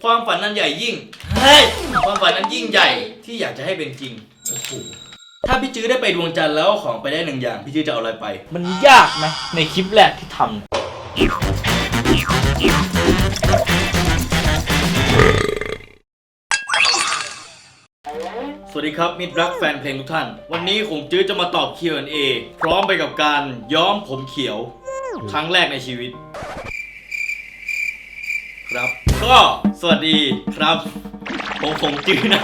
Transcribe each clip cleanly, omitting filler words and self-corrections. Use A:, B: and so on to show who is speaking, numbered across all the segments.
A: ความฝันนั้นใหญ่ยิ่งเฮ้ยความฝันนั้นยิ่งใหญ่ที่อยากจะให้เป็นจริงโอ้โหถ้าพี่จื้อได้ไปดวงจันทร์แล้วของไปได้1 อย่างพี่จื้อจะเอาอะไรไปมันยากไหมในคลิปแรกที่ทำสวัสดีครับมิตรรักแฟนเพลงทุกท่านวันนี้คงจื้อจะมาตอบ Q&A พร้อมไปกับการย้อมผมเขียวครั้งแรกในชีวิตครับก็สวัสดีครับผมคงจื้อนะ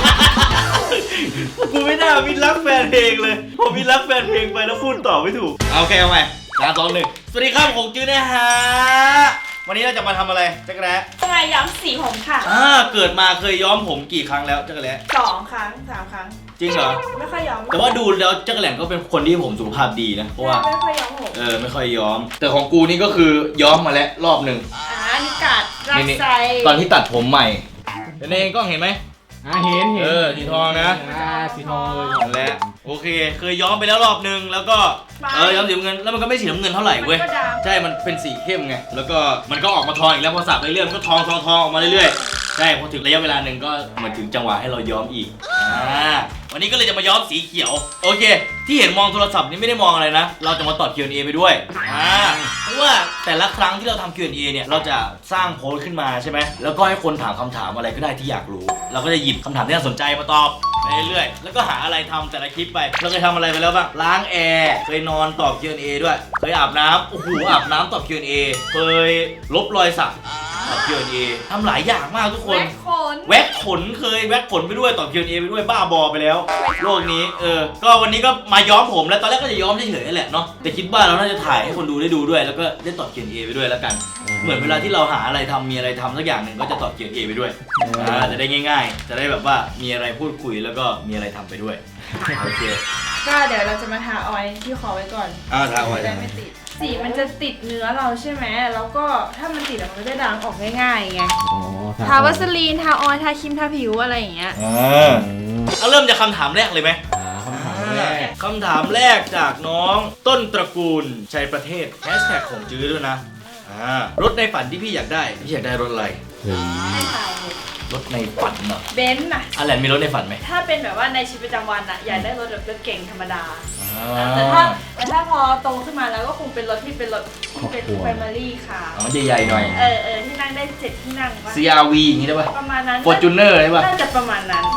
A: กูไม่น่ามิตรรักแฟนเพลงเลยผมมิตรรักแฟนเพลงไปแล้วพูดต่อไม่ถูกโอเคเอาใหม่3 2 1สวัสดีครับคงจื้อนะฮะวันนี้เราจะมาทำอะไรจักรแร้
B: จะมาย้อมสีผมค่ะ
A: เกิดมาเคยย้อมผมกี่ครั้งแล้วจักรแร้
B: 2 ครั้ง 3 ครั้ง
A: จริงเหรอ
B: ไม่ค่อยย้อม
A: แต่ว่าดูแล้วจักรแหล่งก็เป็นคนที่ผมสุขภาพดีนะเพราะว่า
B: ไม่ค่อยย้อมผม
A: ไม่ค่อยย้อมแต่ของกูนี่ก็คือย้อมมาแล้วรอบหนึ่ง
B: นิกาดรักใจ
A: ตอนที่ตัดผมใหม่เองก็เห็นไหม
C: เห็น
A: สีทองนะ
C: สีทองเลย
A: นั่นแหละโอเคเคยย้อมไปแล้วรอบนึงแล้วก็ย้อมสีน้ำเงินแล้วมันก็ไม่สีน้ำเงินเท่าไหร่เว้ยใช่มันเป็นสีเข้มไงแล้วก็มันก็ออกมาทองอีกแล้วพอสับเรื่อยๆมันก็ทองออกมาเรื่อยๆใช่พอถึงระยะเวลาหนึ่งก็เหมือนถึงจังหวะให้เราย้อมอีกวันนี้ก็เลยจะมาย้อมสีเขียวโอเคที่เห็นมองโทรศัพท์นี่ไม่ได้มองอะไรนะเราจะมาตอบ Q&A ไปด้วยเพราะว่าแต่ละครั้งที่เราทำ Q&A เนี่ยเราจะสร้างโพสต์ขึ้นมาใช่ไหมแล้วก็ให้คนถามคำถามอะไรก็ได้ที่อยากรู้เราก็จะหยิบคำถามที่น่าสนใจมาตอบไปเรื่อยๆแล้วก็หาอะไรทำแต่ละคลิปไปเราเคยทำอะไรไปแล้วบ้างล้างแอร์เคยนอนตอบ Q&A ด้วยเคยอาบน้ำโอ้โหอาบน้ำตอบ Q&A เคยลบรอยสักตอบ Q&A ทำหลายอย่างมากทุกคนแว็กขนเคยแว็กขนไปด้วยตอบ Q&A ไปด้วยบ้าบอไปแล้วโลกนี้ก็วันนี้ก็มาย้อมผมแล้วตอนแรกก็จะย้อมเฉยๆแหละเนาะแต่คิดว่าเราน่าจะถ่ายให้คนดูได้ดูด้วยแล้วก็ได้ตอบ Q&A ไปด้วยแล้วกันเหมือนเวลาที่เราหาอะไรทำมีอะไรทำสักอย่างหนึ่งก็จะตอบ Q&A ไปด้วยจะได้ง่ายๆจะได้แบบว่ามีอะไรพูดคุยแล้วก็มีอะไรทำไปด้วยโอเค
B: ก็เดี๋ยวเราจะมาทาออยล์ที่คอไว้ก่อน
A: ทาออยล์
B: ได้ไม่ติดสีมันจะติดเนื้อเราใช่ไหมแล้วก็ถ้ามันติดมันก็จะด่างออกง่ายๆไงทาวัสลีนทาออยล์ทาครีมทาผิวอะไรอย่างเงี้ย
A: เอาเริ่มจากคำถามแรกเลยไหมคำถามแรกจากน้องต้นตระกูลชัยประเทศแฮชแท็กของจื้อด้วยนะรถในฝันที่พี่อยากได้พี่อยากได้รถอะไรรถในฝันเนาะ
B: เบนซ์น่ะ
A: อะไรมีรถในฝันไหม
B: ถ้าเป็นแบบว่าในชีวิตประจำวันอะอยากได้รถแบบรถเก่งธรรมดาแต่ถ้าพอโตขึ้นมาแล้วก็คงเป็นรถที่เป็นรถที่เป็น Family ค่ะ
A: ใหญ่ๆหน่อย
B: ที่นั่งได้7 ที่นั่งป่ะ
A: CRV อย่างนี้ได้ป่ะ
B: ประมาณนั้น
A: Fortuner ได้ป่ะ
B: น่าจะประมาณนั้น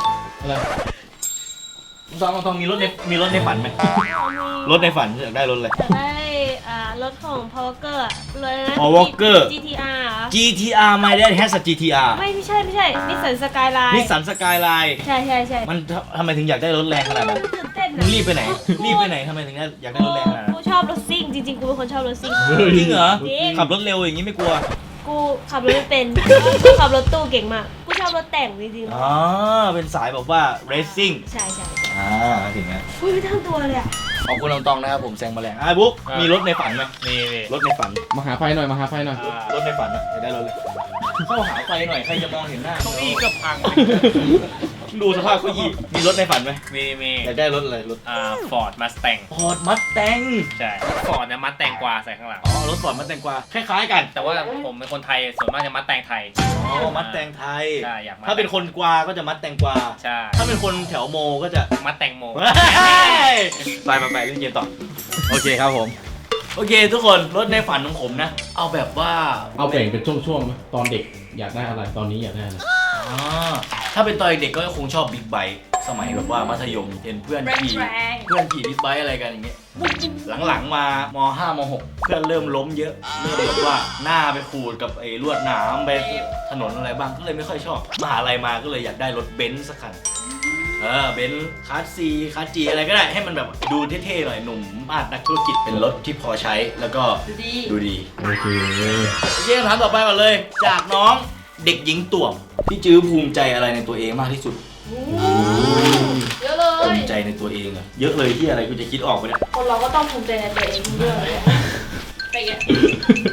A: ทองมีรถในฝันไหมรถในฝันอยากได้รถอะไร
D: อยากได้รถของ Paul Walker เลยนะ
A: Paul Walker GTR My Dad has a GTR
D: ไม่ใช่นิสสันสกายไลน์
A: Nissan Skyline
D: ใช่
A: มันทำไมถึงอยากได้รถแรงขนาดนั้น
D: ตื่นเต้น
A: มึงรีบไปไหนทำไมถึงอยากได้รถแรงขนาดนั้น
D: กูชอบรถซิ่งจริงๆกูเป็นคนชอบรถซิ่ง
A: จริงเหรอขับรถเร็วอย่างนี้ไม่กลัว
D: กูขับรถไม่เป็นกูขับรถตู้เก่งมากกูชอบรถแต่งจริง
A: ๆเป็นสายแบบว่า racing
D: ใช่
A: ถึงไง
D: อุ้ยไม่ทั้งตัวเลย
A: ขอบคุณตองนะครับผมแซงมาแรงบุ๊กมีรถในฝันไหมมีรถในฝัน
C: มาหาไฟหน่อย
A: รถในฝันอยากได้รถเลยเข้าหาไฟหน่อยใครจะมองเห็นหน้า
C: เก้าอี้ก็พัง
A: ดูสภาพเก้าอี้มีรถในฝันไหม
C: มี
A: อยากได้รถอะไรรถ
C: Ford Mustang
A: ใช่
C: Ford เนี่ยMustang กว่าใส่ข้างหลัง
A: รถ Ford Mustang กว่าคล้ายๆกัน
C: แต่ว่าผมเป็นคนไทยส่วนมากจะ Mustang ไทย
A: Mustang ไทย
C: ใช่อยาก
A: ถ้าเป็นคนกวาก็จะ Mustang กวา
C: ใช่
A: ถ้าเป็นคนแถวโมก็จะ
C: Mustang โม
A: ไปเล่นเกมต่อโอเคครับผมโอเคทุกคนรถในฝันของผมนะเอาแบบว่า
C: เอาแบ่งเป็นช่วงๆตอนเด็กอยากได้อะไรตอนนี้อยากได้อะไร
A: ถ้าเป็นตอนเด็กก็คงชอบบิ๊กไบค์สมัยแบบว่ามัธยมเห็นเพื่อนขี่บิ๊กไบค์อะไรกันอย่างเงี้ยหลังๆมาม .5 ม .6 เพื่อนเริ่มล้มเยอะเริ่มแบบว่าหน้าไปขูดกับไอ้ลวดหนามไปถนนอะไรบ้างก็เลยไม่ค่อยชอบมหาลัยมาก็เลยอยากได้รถเบนซ์สักคันเบนซ์คลาส C คลาส G อะไรก็ได้ให้มันแบบดูเท่ๆหน่อยหนุ่มมาดนักธุรกิจเป็นรถที่พอใช้แล้วก็ดูดี
C: โอเค
A: คำถามต่อไปก่อนเลยจากน้องเด็กหญิงต่วมพี่จื้อภูมิใจอะไรในตัวเองมากที่สุด
B: เยอะเลย
A: ภูมิใจในตัวเองอะเยอะเลยที่อะไรกูจะคิดออกไปเนี่ย
B: คนเราก็ต้องภูมิใจในตัวเองทุกเรื่องเลยไปแก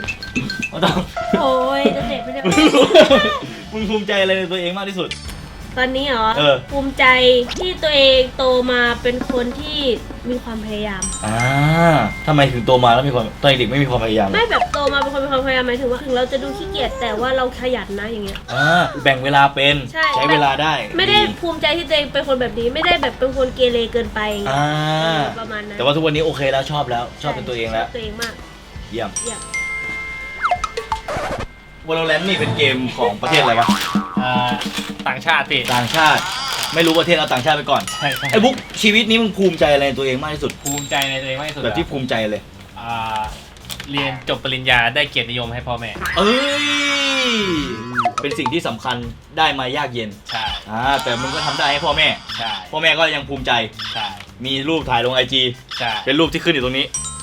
A: ต้อง
D: โอ้ยเด็กไม่ได้
A: มึงภูมิใจอะไรในตัวเองมากที่สุด
D: ตอนนี้เหรอ ภูมิใจที่ตัวเองโตมาเป็นคนที่มีความพยายาม
A: ทำไมถึงโตมาแล้วมีความตอนเด็กไม่มีความพยายาม
D: ไม่แบบโตมาเป็นคนมีความพยายามหมายถึงว่าถึงเราจะดูขี้เกียจแต่ว่าเราขยันนะอย่างเงี้ย
A: แบ่งเวลาเป็น
D: ใช่
A: เวลาได้
D: ไม่ได้ภูมิใจที่ตัวเองเป็นคนแบบนี้ไม่ได้แบบเป็นคนเกเรเกินไปประมาณนั้น
A: แต่ว่าทุกวันนี้โอเคแล้วชอบแล้วชอบเป็นตัวเองแล้ว
D: ตัวเองมาก
A: เยี่ยม
D: เยี่ยม
A: Valorant นี่เป็นเกมของประเทศอะไรวะ
C: ต่างชาติพี่
A: ต่างชาติไม่รู้ประเทศเอาต่างชาติไปก่อน
C: ใช่
A: ไอ้บุ๊กชีวิตนี้มึงภูมิใจอะไรในตัวเองมากที่สุด
C: ภูมิใจในตัวเองมากที่สุด
A: แบบที่ภูมิใจเลย
C: เรียนจบปริญญาได้เกียรตินิยมให้พ่อแม่
A: เอ้ยเป็นสิ่งที่สำคัญได้มายากเย็น
C: ใช่
A: แต่มึงก็ทำได้ให้พ่อแม่
C: ใช่
A: พ่อแม่ก็ยังภูมิใจ
C: ใช่
A: มีรูปถ่ายลง IG
C: ใช่
A: เป็นรูปที่ขึ้นอยู่ตรงนี้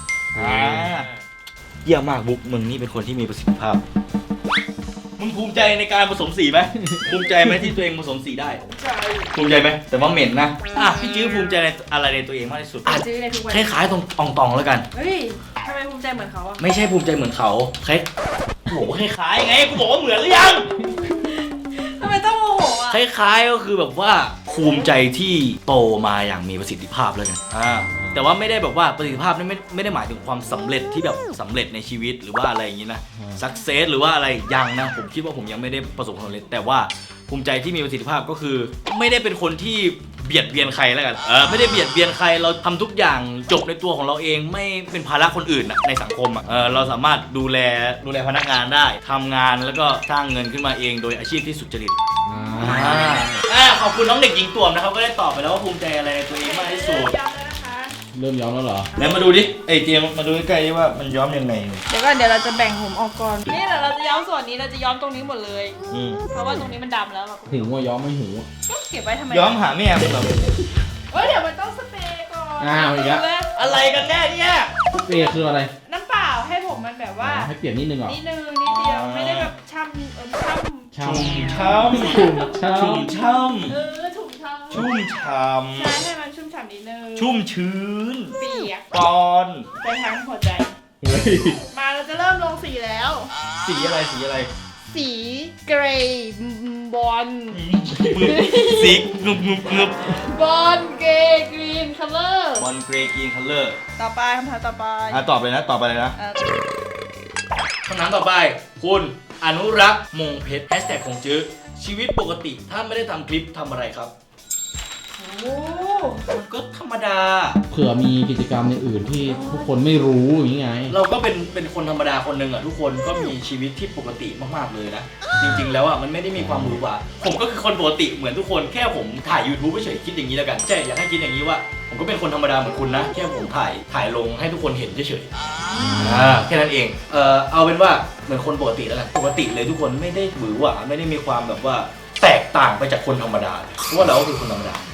A: เยี่ยมมากบุ๊กมึงนี่เป็นคนที่มีประสิทธิภาพมึงภูมิใจในการผสมสีไหม ภูมิใจไหมที่ตัวเองผสมสีได้ภูมิใจไหมแต่ว่าเหม็นนะพี่จื้อภูมิใจในอะไรในตัวเองมากที่สุด
B: จื้อในทุกวัน
A: คล้ายๆตรงอ่องตองแล้วกัน
B: เฮ้ยทำไมภูมิใจเหมือนเขาอะ
A: ไม่ใช่ภูมิใจเหมือนเขาคล้ายโอ้โหคล้ายๆไงกูบอกว่าเหมือนหรือยัง
B: ทำไมต้องโมโหอะ
A: คล้ายๆก็คือแบบว่าภูมิใจที่โตมาอย่างมีประสิทธิภาพแล้วกันแต่ว่าไม่ได้แบบว่าประสิทธิภาพนี่ไม่ได้หมายถึงความสำเร็จที่แบบสำเร็จในชีวิตหรือว่าอะไรอย่างนี้นะสักเซสหรือว่าอะไรยังนะผมคิดว่าผมยังไม่ได้ประสบความสำเร็จแต่ว่าภูมิใจที่มีประสิทธิภาพก็คือ ไม่ได้เป็นคนที่เบียดเบียนใครแล้วกันไม่ได้เบียดเบียนใครเราทำทุกอย่างจบในตัวของเราเองไม่เป็นภาระคนอื่นในสังคมเราสามารถดูแลพนักงานได้ทำงานแล้วก็สร้างเงินขึ้นมาเองโดยอาชีพที่สุจริตขอบคุณน้องเด็กหญิงต่วมนะครับก็ได้ตอบไปแล้วว่าภูมิใจอะไรในตัวเองมากที่สุด
B: ย้ำเลยนะคะ
C: เริ่มย้อมแล้วเหรอ
A: แล้วมาดูดิไอเจมมาดูใกล้ๆว่ามันย้อมยังไง
B: เดี๋ยวก่อนเดี๋ยวเราจะแบ่งผมออกก่อนนี่เดี๋ยวเราจะย้อมส่วนนี้เราจะย้อมตรงนี้หมดเลย เพราะว่าตรงนี้มันดำแล้วแบบ
C: หูว่าย้อมไม่หู
B: ก็เก็บไว้ทำไม
A: ย้อมหาแม่มึงเหรอ
B: เฮ้ยเดี๋ยวมันต้องสเปรย์ก่อน
C: อีกแล้ว
A: อะไรกันแน่เนี่ย
C: เปรย์คืออะไร
B: น้ำเปล่าให้ผมมันแบบว่า
C: ให้เปลี่ยนนิดนึงเหรอ
B: นิดนึงนิดเดียวไม่ได้แบบช่ำ
C: ช่ำ
A: ช่ำ
C: ชุ่มช่
A: ชุ่มช่
B: ถุงช่ำ
A: ำชุ่มช่
B: ใช่ให้มันชุ่มฉ่ำนิดนึง
A: ำชุ่มชื้น
B: เปียก
A: ปอน
B: ไปทั้งหัวใจ
C: ำเฮ้ย
B: มาเราจะเริ่มลงสีแล้ว
A: สีอะไรสีอะไร
B: สีเกรย์บอล
A: สีงึบงึบงึบบ
B: อลเกรย์กรีนคัลเลอร์
A: บอลเกรย์กรีนคัลเลอร์
B: ต่อไปคำถามต่อไป
A: ตอบเลยนะตอบไปเลยนะ
B: เอ่อ
A: คำถามต่อไปคุณอนุรักษ์มงเพชรแฮชแท็กของจื้อชีวิตปกติถ้าไม่ได้ทำคลิปทำอะไรครับ
B: โอ้
A: มันก็ธรรมดา
C: เผื่อมีกิจกรรมอย่างอื่นที่ทุกคนไม่รู้อย่างนี้ไง
A: เราก็เป็นคนธรรมดาคนหนึ่งทุกคนก็มีชีวิตที่ปกติมากๆเลยนะจริงๆแล้วมันไม่ได้มีความหวือหวาผมก็คือคนปกติเหมือนทุกคนแค่ผมถ่าย YouTube เฉยๆคิดอย่างนี้แล้วกันใช่อยากให้คิดอย่างนี้ว่าผมก็เป็นคนธรรมดาเหมือนคุณนะแค่ผมถ่ายลงให้ทุกคนเห็นเฉยๆแค่นั้นเองเอาเป็นว่าเหมือนคนปกติแล้วกันปกติเลยทุกคนไม่ได้หวือหวาไม่ได้มีความแบบว่าแตกต่างไปจากคนธรรมดาเพราะว่าเราก็คือคนธรรมดา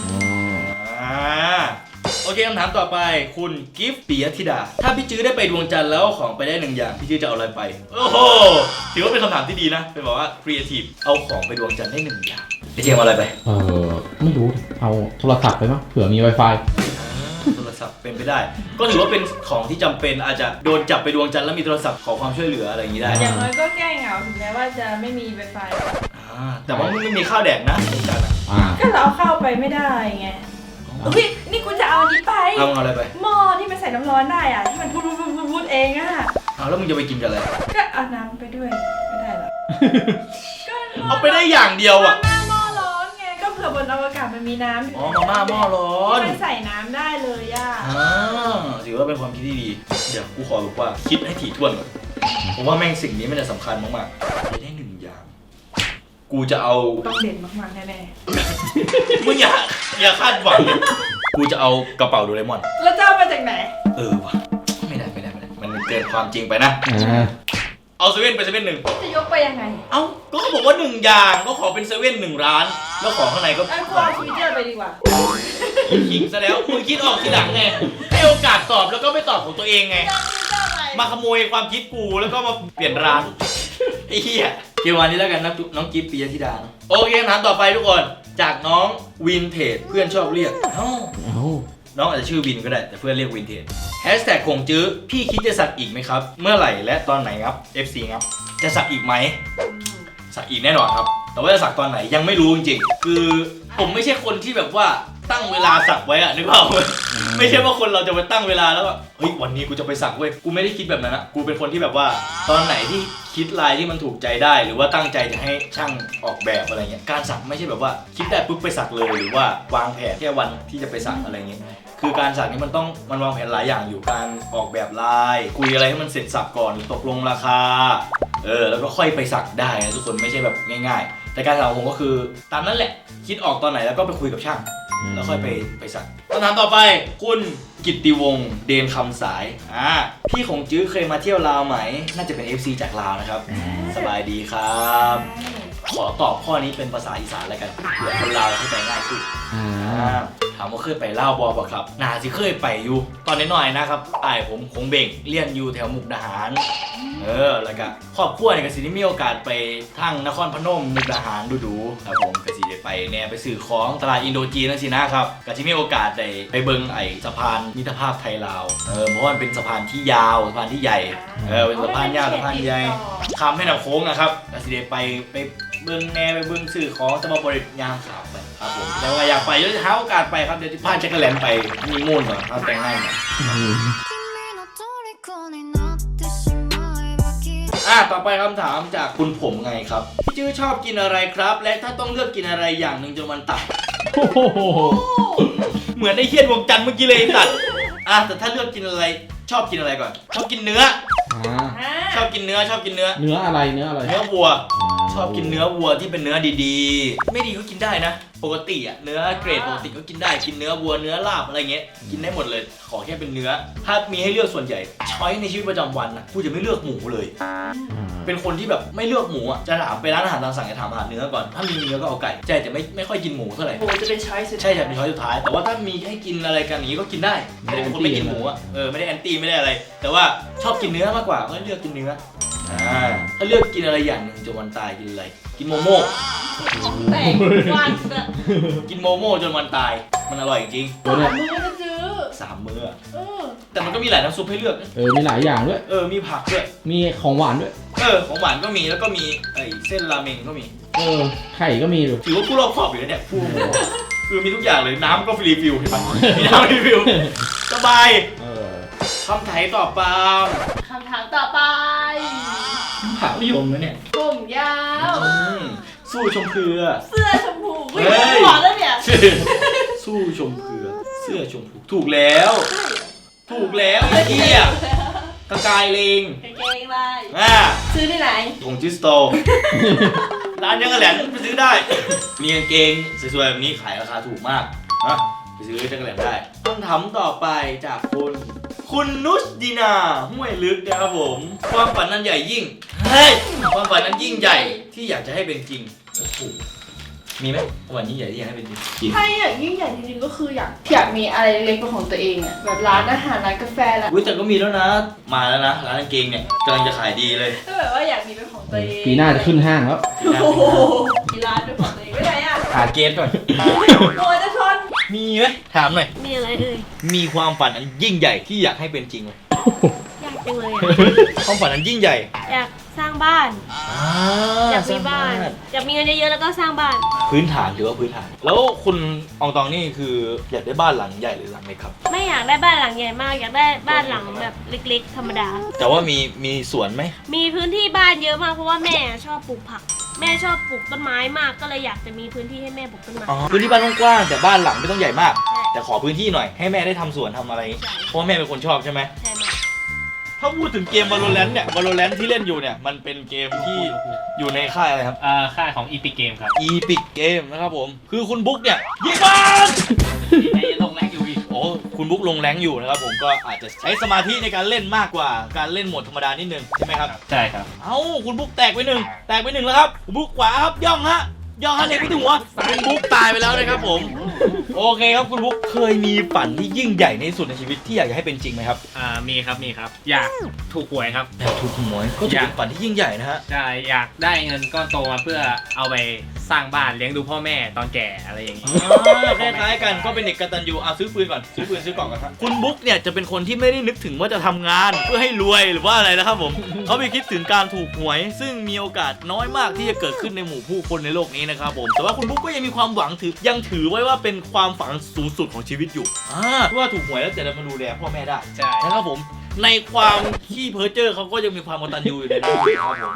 A: โอเคคำถามต่อไปคุณกิฟต์ปิยธิดาถ้าพี่จื้อได้ไปดวงจันทร์แล้วเอาของไปได้1 อย่างพี่จื้อจะเอาอะไรไปโอ้โหถือว่าเป็นคำถามที่ดีนะเป็นบอกว่าครีเอทีฟเอาของไปดวงจันทร์ได้1 อย่างพี่เจมเอาอะไรไป
C: ไม่รู้ เอาโทรศัพท์ไปมั้งเผื่อมี Wi-Fi
A: โทรศัพท์เป็นไปได้ ก็ถือว่าเป็นของที่จำเป็นอาจจะโดนจับไปดวงจันทร์แล้วมีโทรศัพท์ขอความช่วยเหลืออะไรอย่างนี้ได้
B: อย่างน้อยก็แก้เหงาถึงแม้ว่าจะไม่มีไวไฟ
A: แต่ว่าไม่มีข้าวแดกนะดวงจันทร์
B: ก็เราเอาเข้าไปไม่ได้ไงอุ้ยนี่กูจะเอาอันนี้ไป
A: เอาอะไรไป
B: หม้อที่มันใส่น้ำร้อนได้อ่ะที่มันพูดเองอ่ะ
A: เอาแล้วมึงจะไปกินกับอะไร
B: ก็เอาน้ำไปด้วยไม่ได้หรอก็
A: เอาไปได้อย่างเดียวอ่ะ
B: มาม่าหม้อร้อนไงก็เผื่อบนอวกาศมันมีน้ำ
A: อ๋อมาม่าหม้อร้อน
B: มันใส่น้ำได้เลยอ่ะ
A: ถือว่าเป็นความคิดที่ดีเดี๋ยวกูขอบอกว่าคิดให้ถี่ถ้วนก่อนผมว่าแม่งสิ่งนี้มันจะสำคัญมากๆจะได้1 อย่างกูจะเอา
B: ต้องเด่นมากๆแน่
A: มึงอย่าคาดหวังกูจะเอากระเป๋าโดเรมอน
B: ๆแล้วจะเอามาจากไหน
A: วะไม่ได้มันเกินความจริงไปนะเอาเซเว่นไปเซเว่น1
B: จะยกไปยังไง
A: เอ้าก็เขาบอกว่า1 อย่างก็ขอเป็นเซเว่น1 ร้านแล้วของข้างในก็
B: ไอ้กูเอาชีวิตเจอไปดีกว่า
A: ขิงซะแล้วคุณคิดออกทีหลังไงให้โอกาสตอบแล้วก็ไม่ตอบของตัวเองไงมาขโมยความคิดกูแล้วก็มาเปลี่ยนร้านไอ้เหี้ยเกี่ยววันนี้แล้วกันนะน้องกิฟต์ปิยธิดาโอเคคำถามต่อไปทุกคนจากน้องวินเทจเพื่อนชอบเรียกน้องอาจจะชื่อวินก็ได้แต่เพื่อนเรียกวินเทจแฮชแท็กคงจื้อพี่คิดจะสักอีกไหมครับเมื่อไหร่และตอนไหนครับ FC ครับจะสักอีกไหมสักอีกแน่นอนครับแต่ว่าจะสักตอนไหนยังไม่รู้จริงๆคือผมไม่ใช่คนที่แบบว่าตั้งเวลาสักไว้อะนึกเปล่าไม่ใช่ว่าคนเราจะไปตั้งเวลาแล้วว่าเฮ้ยวันนี้กูจะไปสักเว้ยกูไม่ได้คิดแบบนั้นนะกูเป็นคนที่แบบว่าตอนไหนที่คิดลายที่มันถูกใจได้หรือว่าตั้งใจจะให้ช่างออกแบบอะไรเงี้ยการสักไม่ใช่แบบว่าคิดได้ปุ๊บไปสักเลยหรือว่าวางแผนแค่วันที่จะไปสักอะไรเงี้ยคือการสักนี่มันวางแผนหลายอย่างอยู่การออกแบบลายคุยอะไรให้มันเสร็จสับก่อนตกลงราคาแล้วก็ค่อยไปสักได้นะทุกคนไม่ใช่แบบง่ายๆแต่การสักของผมก็คือตามนั้นแหละคิดออกตอนไหนแล้วก็ไปคุยกับช่างแล้วค่อยไปสักคำถามต่อไปคุณกิตติวงศ์เดนคำสายพี่ของจื้อเคยมาเที่ยวลาวไหมน่าจะเป็น FC จากลาวนะครับสบายดีครับขอตอบข้อนี้เป็นภาษาอีสานแล้วกันเผื่อคนลาวเข้าใจง่ายขึ้นถามว่าเคยไปลาวบ่บ่ครับน่าสิเคยไปอยู่ตอนน้อยๆนะครับผมคงเบ่งเรียนอยู่แถวมุกดาหารแล้วก็ครอบครัวเนี่ยก็สิได้มีโอกาสไปทางนครพนมมุกดาหารดูๆครับผมก็สิได้ไปแน่ไปซื้อของตลาดอินโดจีนนั่นสินะครับก็สิมีโอกาสได้ไปเบิ่งสะพานมิตรภาพไทยลาวเพราะว่ามันเป็นสะพานที่ยาวสะพานที่ใหญ่เป็นสะพานยาวสะพานใหญ่ข้ามแม่น้ำโค้งนะครับก็สิได้ไปเบิ่งแน่ไปเบิ่งซื้อของสมบริยามขาวไปครับผมแต่ว่าอยากไปเดี๋ยวจะหาโอกาสไปครับเดี๋ยวจะพาแจ็คเกอร์แลนด์ไปมีมูนก่อนเอาแต่งให้หน่อยต่อไปคำถามจากคุณผมไงครับพี่จื้อชอบกินอะไรครับและถ้าต้องเลือกกินอะไรอย่างหนึ่งจนวันตายเหมือนไอ้เฮี้ยนวงจันทร์เมื่อกี้เลยตัดแต่ถ้าเลือกกินอะไรชอบกินอะไรก่อนชอบกินเนื้อชอบกินเนื้อเนื้อ
C: อะไร
A: เนื้อวัวชอบกินเนื้อวัวที่เป็นเนื้อดีๆไม่ดีก็กินได้นะปกติเนื้อเกรดปกติก็กินได้กินเนื้อวัวเนื้อลาบอะไรเงี้ยกินได้หมดเลยขอแค่เป็นเนื้อถ้ามีให้เลือกส่วนใหญ่ช้อยในชีวิตประจำวันนะกูจะไม่เลือกหมูเลยเป็นคนที่แบบไม่เลือกหมูจะถามไปร้านอาหารตามสั่งจะถามอาหารเนื้อก่อนถ้ามีเนื้อก็เอาไก่ใจจะไม่ค่อยกินหมูเท่าไหร่
B: หมูจะเป็นช้อยสุด
A: ใช่จะเป็นช้อยสุดท้ายแต่ว่าถ้ามีให้กินอะไรกันอย่างนี้ก็กินได้ไม่ได้เป็นคนไม่กินหมูไม่ได้แอนตี้ไม่ได้อะไรแต่ว่าชอบกินเนื้อมากกว่าก็เลือกกินเนื้อถ้าเลือกกินอะไรอย่างหนึ่งจนวันตายกินอะไรกินโมโม่
B: แต่วัน
A: กินโมโม่จนวันตายมันอร่อยจริง
B: 3 มื้อจะซื้อ
A: 3 มื้อแต่มันก็มีหลายน้ำซุปให้เลือก
C: มีหลายอย่างด้วย
A: มีผักด้วย
C: มีของหวานด้วย
A: ของหวานก็มีแล้วก็มีเส้นราเมงก็มี
C: ไข่ก็มีด้วย
A: ถือว่าผู้รอบคอบอยู่นะเนี่ยคือมีทุกอย่างเลยน้ำก็ฟรีฟิลเห็นปะมีน้ำฟรีฟิลสบายคำถามต่อไปผักนิยมนะเนี่ย
B: ผมยาว
A: สู้ชมเกลือ
B: เสื้อชมพูหวานแล้วเนี่ย
A: สู้ชมเกลือเสื้อชมพูถูกแล้วไอ้เหี้ยกระกายเลง
B: กางเกงลายซื้อที่ไหน
A: ของจิสโตร้านยังกระแหลนไปซื้อได้มีกางเกงสวยๆแบบนี้ขายราคาถูกมากไปซื้อจักรแหลนได้คำถามต่อไปจากคุณนุชดีนาห้วยลึกนะครับผมความฝันนั้นใหญ่ยิ่งความฝันนั้นยิ่งใหญ่ที่อยากจะให้เป็นจริงโอ้โหมีไหมความฝันยิ่งใหญ่ที่อยากให้เป็นจริง
B: ถ้าอยากยิ่งใหญ่จริงๆก็คืออยากมีอะไรเล็กเป็นของตัวเองแบบร้านอาหารร้านกาแฟแล้ว
A: แต่ก็มีแล้วนะมาแล้วนะร้านกางเกงเนี่ยกำลังจะขายดีเลย
B: ก็แบบว่าอยากมีเป็นของตัวเอง
C: ปีหน้าจะขึ้นห้างแล้ว
B: มีร้านเป็นของตัวเองไม่ได้
A: หาเกสก่อน
B: โอ้ยจะชน
A: มีไหมถามหน่อย
D: มีอะไร
A: มีความฝันอันยิ่งใหญ่ที่อยากให้เป็นจริงไหม
D: อยากจังเลย
A: ความฝันอันยิ่งใหญ่
D: อยากสร้างบ้านอยากมีบ้านอยากมีเงินเยอะๆแล้วก็สร้างบ้าน
A: พื้นฐานหรือว่าพื้นฐานแล้วคุณอองตองนี่คืออยากได้บ้านหลังใหญ่หรือหลังเล็กครับ
D: ไม่อยากได้บ้านหลังใหญ่มากอยากได้บ้านหลังแบบเล็กๆธรรมดา
A: แต่ว่ามีสวนไหม
D: มีพื้นที่บ้านเยอะมากเพราะว่าแม่ชอบปลูกผักแม่ชอบปลูกต้นไม้มากก็เลยอยากจะมีพื้นที่ให้แม่ปลูกต้นไม้
A: พื้นที่บ้านกว้างแต่บ้านหลังไม่ต้องใหญ่มากแต่ขอพื้นที่หน่อยให้แม่ได้ทำสวนทำอะไรเพราะแม่เป็นคนชอบใช่ไหม
D: ใช่
A: ถ้าพูดถึงเกม Valorant เนี่ย Valorant ที่เล่นอยู่เนี่ยมันเป็นเกมที่อยู่ในค่ายอะไรครับ
E: ค่ายของ Epic Game ครับ
A: Epic Game นะครับผมคือคุณบุ๊กเนี่ยยิงบ้าน
E: ลงแรงอยู่อีก
A: คุณบุ๊กลงแรงอยู่นะครับผมก็อาจจะใช้สมาธิในการเล่นมากกว่าการเล่นโหมดธรรมดานิดนึงใช่ไหมครับ
E: ใช่ครับ
A: คุณบุ๊กแตกไปหนึ่งแล้วครับคุณบุ๊กขวาครับย่องฮะยอดเลยพี่ถึงว่าคุณบุ๊กตายไปแล้วนะครับผม โอเคครับคุณบุ๊กเคยมีฝันที่ยิ่งใหญ่ในที่สุดในชีวิตที่อยากจะให้เป็นจริงไหมครับ
E: มีครับอยากถูกหวยครับ
A: อยากถูกหวยก็ถือเป็นฝันที่ยิ่งใหญ่นะฮะ
E: ใช่อยากได้เงินก้อนโตมาเพื่อเอาไปสร้างบ้านเลี้ยงดูพ่อแม่ตอนแก่อะไรอย่างนี้
A: คล้ายๆกันก็เป็นเด็กกตัญญูซื้อปืนก่อนซื้อปืนซื้อกล่องกันครับคุณบุ๊กเนี่ยจะเป็นคนที่ไม่ได้นึกถึงว่าจะทำงานเพื่อให้รวยหรือว่าอะไรนะครับผม เขาไปคิดถึงการถูกหวย ซึ่งมีโอกาสน้อยมากที่จะเกิดขึ้นในหมู่ผู้คนในโลกนี้นะครับผมแต่ว่าคุณบุ๊กก็ยังมีความหวังยังถือไว้ว่าเป็นความฝันสูงสุดของชีวิตอยู่ว่าถูกหวยแล้วจะได้มาดูแลพ่อแม่ได้
E: ใช่
A: นะครับผมในความขี้เพ้อเจ้อเขาก็ยังมีความกตัญญูอยู่ในนั้นนะครับผม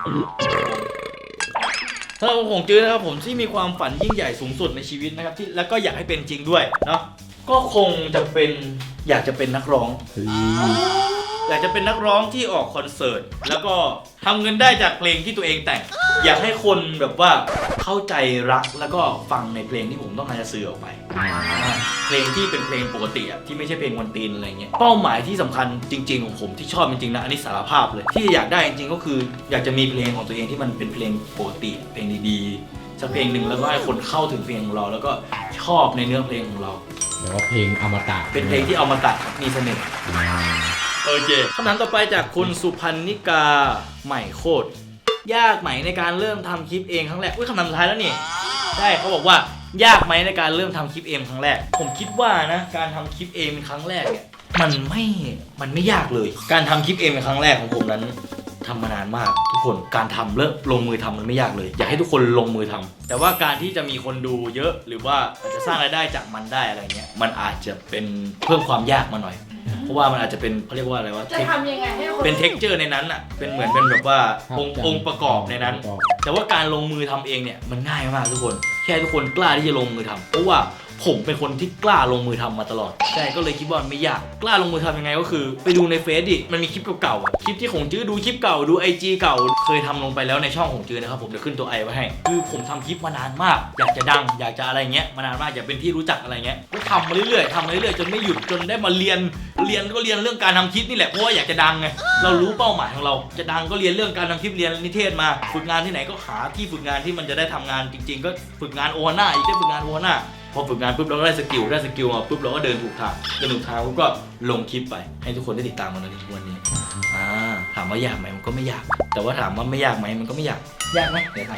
A: สำหรับผมจื้อนะครับผมที่มีความฝันยิ่งใหญ่สูงสุดในชีวิตนะครับที่แล้วก็อยากให้เป็นจริงด้วยเนาะก็คงจะเป็นอยากจะเป็นนักร้อง อยากจะเป็นนักร้องที่ออกคอนเสิร์ตแล้วก็ทำเงินได้จากเพลงที่ตัวเองแต่ง อยากให้คนแบบว่าเข้าใจรักแล้วก็ฟังในเพลงที่ผมต้องการจะสื่อออกไปเพลงที่เป็นเพลงปกติอะที่ไม่ใช่เพลงวันตีนอะไรเงี้ยเป้าหมายที่สำคัญจริงๆของผมที่ชอบจริงๆนะอันนี้สารภาพเลยที่อยากได้จริงๆก็คืออยากจะมีเพลงของตัวเองที่มันเป็นเพลงปกติเพลงดีๆสักเพลงหนึ่งแล้วก็ให้คนเข้าถึงเพลงของเราแล้วก็ชอบในเนื้อเพลงของเรา
C: แต่ว่าเพลงอมตะ
A: เป็นเพลงที่เอามาตัดมีเสน่ห์โอเคคำถามต่อไปจากคุณสุพันนิกาใหม่โคตรยากไหมในการเริ่มทำคลิปเองครั้งแรกคำถามสุดท้ายแล้วนี่ใช่เขาบอกว่ายากไหมในการเริ่มทำคลิปเองครั้งแรกผมคิดว่านะการทำคลิปเองเป็นครั้งแรกเนี่ยมันไม่ยากเลยการทำคลิปเองเป็นครั้งแรกของผมนั้นทำมานานมากทุกคนการทำเริ่มลงมือทำมันไม่ยากเลยอยากให้ทุกคนลงมือทำแต่ว่าการที่จะมีคนดูเยอะหรือว่าอาจจะสร้างรายได้จากมันได้อะไรเงี้ยมันอาจจะเป็นเพิ่มความยากมาหน่อยเพราะว่ามันอาจจะเป็นเขาเรียกว่าอะไรวะ
B: จะทำยังไงให้คน
A: เป็นเท็กเจอร์ในนั้นอ่ะเป็นเหมือนเป็นแบบว่าองค์ประกอบในนั้น แต่ว่าการลงมือทำเองเนี่ยมันง่ายมากทุกคนแค่ทุกคนกล้าที่จะลงมือทำเพราะว่าผมเป็นคนที่กล้าลงมือทำมาตลอดใช่ก็เลยคิดว่ามันไม่ยากกล้าลงมือทำยังไงก็คือไปดูในเฟซดิมันมีคลิปเก่าๆอ่ะคลิปที่ของจื้อดูคลิปเก่าดู IG เก่าเคยทำลงไปแล้วในช่องของจื้อนะครับผมเดี๋ยวขึ้นตัวไอไว้ให้คือผมทำคลิปมานานมากอยากจะดังอยากจะอะไรเงี้ยมานานมากอยากเป็นที่รู้จักอะไรเงี้ยก็ทำมาเรื่อยๆจนไม่หยุดจนได้มาเรียนเรื่องการทำคลิปนี่แหละเพราะว่าอยากจะดังไงเรารู้เป้าหมายของเราจะดังก็เรียนเรื่องการทำคลิปเรียนนิเทศมาฝึกงานที่ไหนก็หาที่ฝึกงานที่มันจะได้ทำงานจริงๆก็ฝึกงานโอฮาน่าอีกได้ฝึกงานโอฮาน่าพอฝึกงานปุ๊บเราก็ได้สกิลมาปุ๊บเราก็เดินถูกทางปุ๊บก็ลงคลิปไปให้ทุกคนได้ติดตามมันในทุกวันนี้ถามว่ายากไหมมันก็ไม่ยากแต่ว่าถามว่าไม่ยากไหมมันก็ไม่ยากไหมเดี๋ยวถาม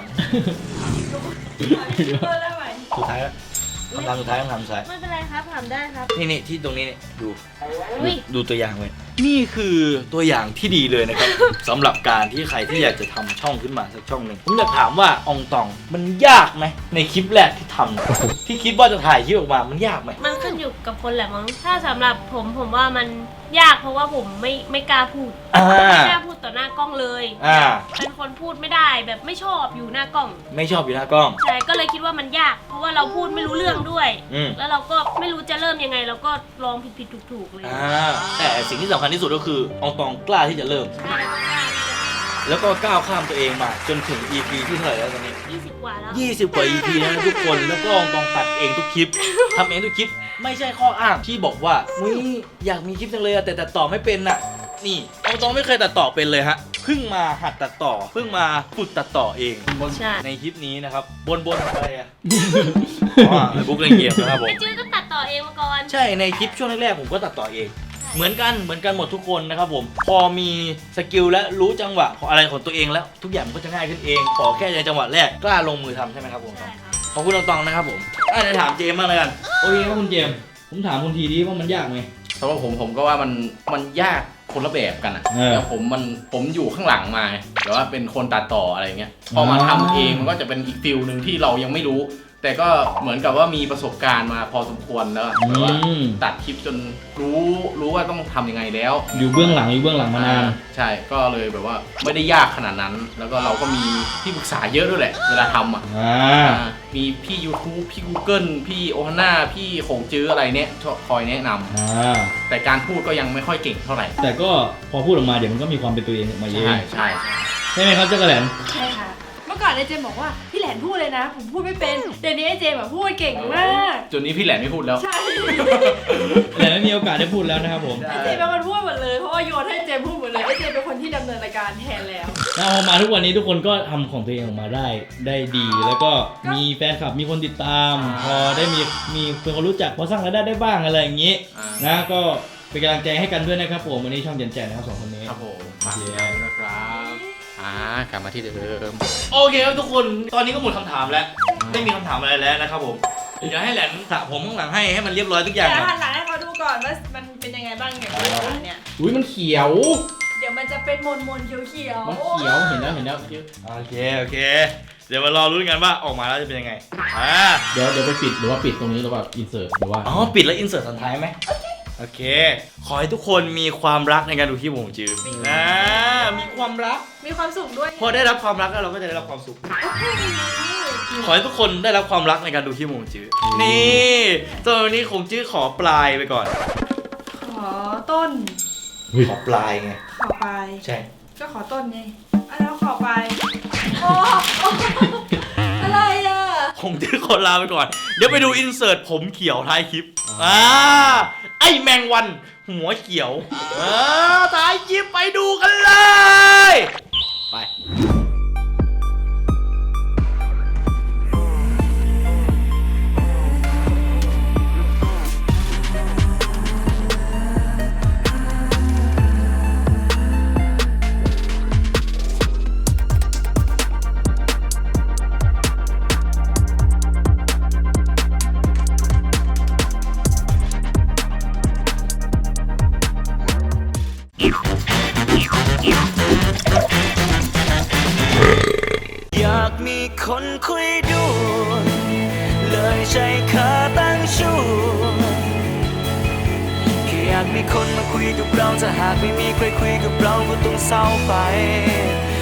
A: สุดท้ายแล้วคำถามสุดท้าย
D: ไม่เป็นไรครับถามได้ครับ
A: นี่ที่ตรงนี้เนี่ยดู
D: อุ๊ย
A: ดูตัวอย่างไว้นี่คือตัวอย่างที่ดีเลยนะครับ สำหรับการที่ใครที่อยากจะทำช่องขึ้นมาสักช่องหนึ่งผมอยากถามว่าอองตองมันยากไหมในคลิปแรกที่ทำ ที่คิดว่าจะถ่ายคลิปออกมามันยากไหม
D: มันขึ้นอยู่กับคนแหละมั้งถ้าสำหรับผมว่ามันยากเพราะว่าผมไม่กล้าพูดไม่กล้าพูดต่อหน้ากล้องเลยเป็นคนพูดไม่ได้แบบไม่ชอบอยู่หน้ากล้อง
A: ไม่ชอบอยู่หน้ากล้อง
D: ใช่ก็เลยคิดว่ามันยาก เพราะว่าเราพูดไม่รู้เรื่องด้วย แล้วเราก็ไม่รู้จะเริ่มยังไงเราก็ลองผิดถูกเลย
A: แต่สิ่งที่สำคัญที่สุดก็คืออองตองกล้าที่จะเริ่ม แล้วก็ก้าวข้ามตัวเองมาจนถึง EP ที่เท่าไหร่แล้วตอนนี้
D: 20 กว่าแล้ว
A: 20 กว่า EP แล้วนะทุกคนแล้วก็อองตองตัดเองทุกคลิปทำเองทุกคลิปไม่ใช่ข้ออ้างที่บอกว่าอยากมีคลิปจังเลยแต่ตัดต่อไม่เป็นน่ะนี่อองตองไม่เคยตัดต่อเป็นเลยฮะเพิ่งมาหัดตัดต่อเพิ่งมาฝึกตัดต่อเอง
D: ใช่
A: ในคลิปนี้นะครับบนอะไรอะบุ๊กเล่นเกมนะครับผม
D: ไอจื้อก็ตัดต่อเองมาก่อน
A: ใช่ในคลิปช่วงแรกๆผมก็ตัดต่อเองเหมือนกันหมดทุกคนนะครับผมพอมีสกิลและรู้จังหวะของอะไรของตัวเองแล้วทุกอย่างมันก็จะง่ายขึ้นเองขอแค่ในจังหวะแรกกล้าลงมือทำใช่ไหมครับผม
D: ใช่ครับ
A: ขอบคุณตองๆนะครับผมจะถามเจมส์บ้างเลยกัน
C: โอเคครับคุณเจมส์ผมถามคุณทีดีว่ามันยากไหม
F: สำหรับผมก็ว่ามันยากคนละแบบกันอ่ะ
C: เออ
F: แล้วผมอยู่ข้างหลังมาแต่ว่าเป็นคนตัดต่ออะไรเงี้ยพอมาทำเองมันก็จะเป็นอีกฟิลหนึ่งที่เรายังไม่รู้ แต่ก็เหมือนกับว่ามีประสบการณ์มาพอสมควรแล้วแบบว่าตัดคลิปจนรู้ว่าต้องทำยังไงแล้ว
C: อยู่เบื้องหลังมานาน
F: ใช่ก็เลยแบบว่าไม่ได้ยากขนาดนั้น แล้วก็เราก็มีที่ปรึกษาเยอะด้วยแหละเวลาทำอ่ะมีพี่ YouTube พี่ Google พี่โอฮาน่าพี่โขงจื้ออะไรเนี้ยคอยแนะนำแต่การพูดก็ยังไม่ค่อยเก่งเท่าไหร่
C: แต่ก็พอพูดออกมาเดี๋ยวมันก็มีความเป็นตัวเองออกมาเอง
F: ใช่
C: ใช่ไหมครับเจ้ากระแหลม
B: ใช่ค่ะเมื่อก่อนไอเจมบอกว่าพี่แหลนพูดเลยนะผมพูดไม่เป็นเดี๋ยวนี้ไอเจมพูดเก่งมาก
F: จนนี้พี่แหลมไม่พูดแล้ว
B: ใช่
C: แต่ไม่มีโอกาสได้พูดแล้วนะครับผม
B: ไอเจมเป็นคนพูดหมดเลยเพราะว่าโยนให้เจมพูดหมดเลยไอเจมเป็นคนที่ดำเนินรายการแทนแล้ว
C: แล้วพอมาทุกวันนี้ทุกคนก็ทำของตัวเองออกมาได้ดี แล้วก็มีแฟนคลับมีคนติดตาม พอได้มีคนรู้จักพอสร้างรายได้บ้างอะไรอย่างนี้นะก็เป็นกำลังใจให้กันด้วยนะครับผมวันนี้ช่องเย็นแจนะครับ2คนนี้
F: ครับผมฝากติดตามด้วยนะครับกลับมาที่เดิม
A: โอเคครับทุกคนตอนนี้ก็หมดคำถามแล้วไม่มีคำถามอะไรแล้วนะครับผมเดี๋ยวให้แหลนสระผมข้างหลังให้มันเรียบร้อยทุกอย่าง
B: เดี๋ยว
A: ก่อน
B: หันหลังให้เขาดูก่อนว่ามันเป็นยังไงบ้างเนี่ยเนี่ย
C: อุ้ยมันเขียว
B: เดี๋ยวมันจะเป็นมนๆเขียว
C: มันเขียวเห็นแล้ว
A: โอเคเดี๋ยวมารอรุ้นกันว่าออกมาแล้วจะเป็นยังไง
C: เดี๋ยวไปปิดหรือว่าปิดตรงนี้หรือว่าอินเสิร์ตหรือว่า
A: อ๋อปิดแล้วอินเสิร์ตตอนท้ายไหมโอเคขอให้ทุกคนมีความรักในการดูคลิปผมจื้อมีความรัก
B: มีความสุขด้วย
A: พอได้รับความรักแล้วเราก็จะได้รับความสุข ขอให้ทุกคนได้รับความรักในการดูคลิปของจื้อนี่ตอนนี้คงจื้อขอปลายไปก่อน
B: ขอต้น
A: ขอปลายไง
B: ขอปลาย
A: ใช่
B: ก็ขอต้นไงแล้วขอปลายโอ้อะไรอ่ะ
A: คงจื้อขอลาไปก่อน เดี๋ยวไปดูอินเสิร์ตผมเขียวท้ายคลิปไอแมงวันหัวเขียวท้ายคลิปไปดูกันเลยไปอยากมีคนคุยด้วยเลยใช้ขาตั้งชูแค่อยากมีคนมาคุยกับเราถ้าหากไม่มีใครคุยกับเราก็ต้องเศร้าไป